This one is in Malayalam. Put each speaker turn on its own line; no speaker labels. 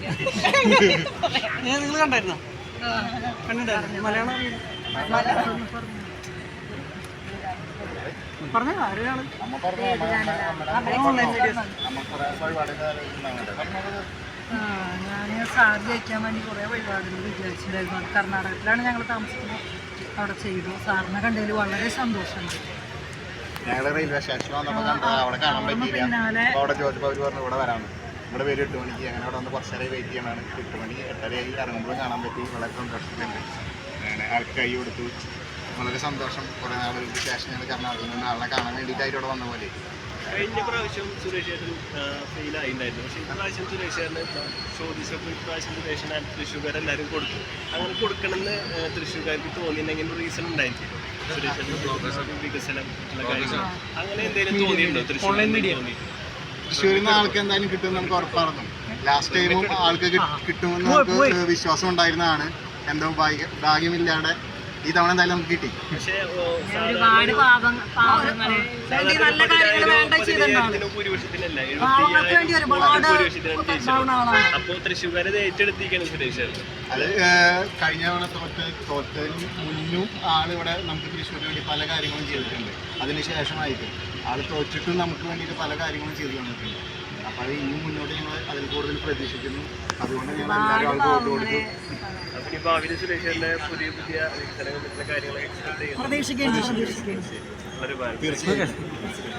നിങ്ങൾ കണ്ടായിരുന്നോ? കണ്ടിട്ടുണ്ടായിരുന്നു. മലയാളം പറഞ്ഞ ആരാണ്?
ഞാൻ സാർ ജയിക്കാൻ വേണ്ടി കുറേ വഴിപാടുകൾ വിചാരിച്ചിട്ടുണ്ടായിരുന്നു. അത് കർണാടകത്തിലാണ് ഞങ്ങൾ താമസിക്കുന്നത്. അവിടെ ചെയ്തു. സാറിനെ കണ്ടതിൽ വളരെ സന്തോഷമുണ്ട്.
ഞങ്ങൾ റെയിൽവേ സ്റ്റേഷനിൽ വന്നപ്പോൾ കണ്ടത് അവിടെ കാണാൻ പറ്റിയില്ല. അവിടെ ചോദിച്ചപ്പോൾ അവർ പറഞ്ഞു ഇവിടെ വരാണ്. ഇവിടെ വരും 8 മണിക്ക്. അങ്ങനെ അവിടെ വന്ന് കുറച്ച് നേരം വെയിറ്റ് ചെയ്യണമാണ്. 8 മണി 8:30 ഇറങ്ങുമ്പോൾ കാണാൻ പറ്റി. വളരെ സന്തോഷമുണ്ട്. ആൾക്ക് കൈ കൊടുത്തു. വളരെ സന്തോഷം. കുറേ നാൾ സ്റ്റേഷൻ ഞങ്ങൾ കർണാടകയിൽ നിന്ന് ആളെ കാണാൻ വേണ്ടിയിട്ടായിട്ട് ഇവിടെ വന്ന പോലെ.
കഴിഞ്ഞ പ്രാവശ്യം സുരേഷ് ചേട്ടൻ ഫെയിലായിട്ടുണ്ടായിരുന്നു. പക്ഷേ ഇപ്രാവശ്യം സുരേഷ് ചേട്ടന് ചോദിച്ചപ്പോൾ ഇപ്രാവശ്യം സുരേഷൻ തൃശ്ശൂർക്കാർ എല്ലാവരും കൊടുത്തു. അങ്ങനെ കൊടുക്കണമെന്ന് തൃശ്ശൂർക്കാർക്ക് തോന്നിയിട്ടുണ്ടെങ്കിൽ റീസൺ ഉണ്ടായിരിക്കും. സുരേഷ് ചേട്ടൻ വികസനം മറ്റുള്ള കാര്യങ്ങൾ അങ്ങനെ എന്തെങ്കിലും തോന്നിയിട്ടുണ്ടോ
തൃശ്ശൂരിൽ നിന്ന് ആൾക്ക് എന്തായാലും കിട്ടുമെന്ന് നമുക്ക് ഉറപ്പായിരുന്നു. ലാസ്റ്റ് ടൈമും ആൾക്ക് കിട്ടുമെന്ന് നമുക്ക് വിശ്വാസം ഉണ്ടായിരുന്നതാണ്. എന്തോ ഭാഗ്യമില്ലാതെ ഈ തവണ എന്തായാലും നമുക്ക് കിട്ടി.
ഒരുപാട് നല്ല കാര്യങ്ങൾ വേണ്ട ചെയ്തിട്ടുണ്ടാവും.
അപ്പോൾ തൃശ്ശൂർക്കാരെ ഏറ്റെടുത്തിരിക്കണം സുരേഷ്.
അത് കഴിഞ്ഞ തവണ തോറ്റതിന് മുന്നും ആളിവിടെ നമുക്ക് തൃശ്ശൂരിന് വേണ്ടി പല കാര്യങ്ങളും ചെയ്തിട്ടുണ്ട്. അതിനുശേഷമായിട്ട് ആൾ തോറ്റിട്ടും നമുക്ക് വേണ്ടിയിട്ട് പല കാര്യങ്ങളും ചെയ്തു തന്നിട്ടുണ്ട്. അപ്പോൾ അത് ഇനിയും മുന്നോട്ട് ഞങ്ങൾ അതിൽ കൂടുതൽ പ്രതീക്ഷിക്കുന്നു. അതുകൊണ്ട് ഞങ്ങൾ എല്ലാവരും ആൾക്ക് വോട്ട് കൊടുത്തു.
അപ്പോൾ ഈ ഭാവിയിൽ സുരേഷിന്റെ പുതിയ വികസനങ്ങൾ മറ്റുള്ള കാര്യങ്ങളൊക്കെ
പ്രതീക്ഷിക്കുന്നു.
വളരെ
തീർച്ചയായും.